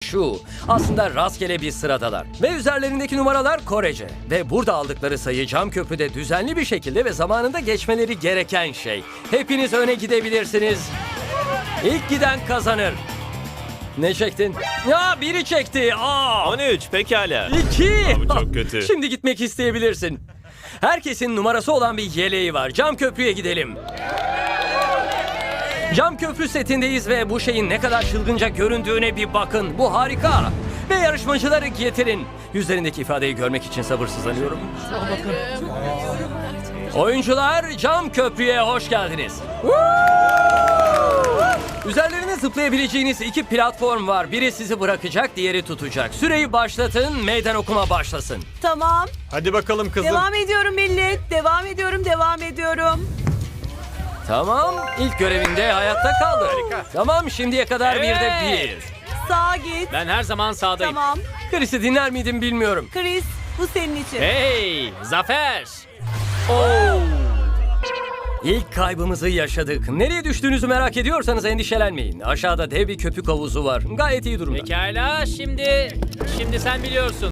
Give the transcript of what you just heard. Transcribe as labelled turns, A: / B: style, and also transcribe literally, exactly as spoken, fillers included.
A: şu. Aslında rastgele bir sıradalar. Ve üzerlerindeki numaralar Korece. Ve burada aldıkları sayı cam köprüde düzenli bir şekilde ve zamanında geçmeleri gereken şey. Hepiniz öne gidebilirsiniz. İlk giden kazanır. Ne çektin? Ya biri çekti. Aa!
B: on üç pekala.
A: İki.
B: Aa, bu çok kötü.
A: Şimdi gitmek isteyebilirsin. Herkesin numarası olan bir yeleği var. Cam köprüye gidelim. Cam köprü setindeyiz ve bu şeyin ne kadar çılgınca göründüğüne bir bakın. Bu harika. Ve yarışmacıları getirin. Yüzlerindeki ifadeyi görmek için sabırsızlanıyorum. Oyuncular, cam köprüye hoş geldiniz. Üzerlerine zıplayabileceğiniz iki platform var. Biri sizi bırakacak, diğeri tutacak. Süreyi başlatın, meydan okuma başlasın.
C: Tamam.
D: Hadi bakalım kızım.
C: Devam ediyorum millet. Devam ediyorum, devam ediyorum.
A: Tamam, ilk görevinde hayatta kaldı. Tamam, şimdiye kadar bir de bir.
C: Sağa git.
E: Ben her zaman sağdayım.
C: Tamam.
A: Chris'i dinler miydim bilmiyorum.
C: Chris, bu senin için.
E: Hey, zafer.
A: İlk kaybımızı yaşadık. Nereye düştüğünüzü merak ediyorsanız endişelenmeyin. Aşağıda dev bir köpük havuzu var. Gayet iyi durumda.
E: Pekala, şimdi şimdi sen biliyorsun.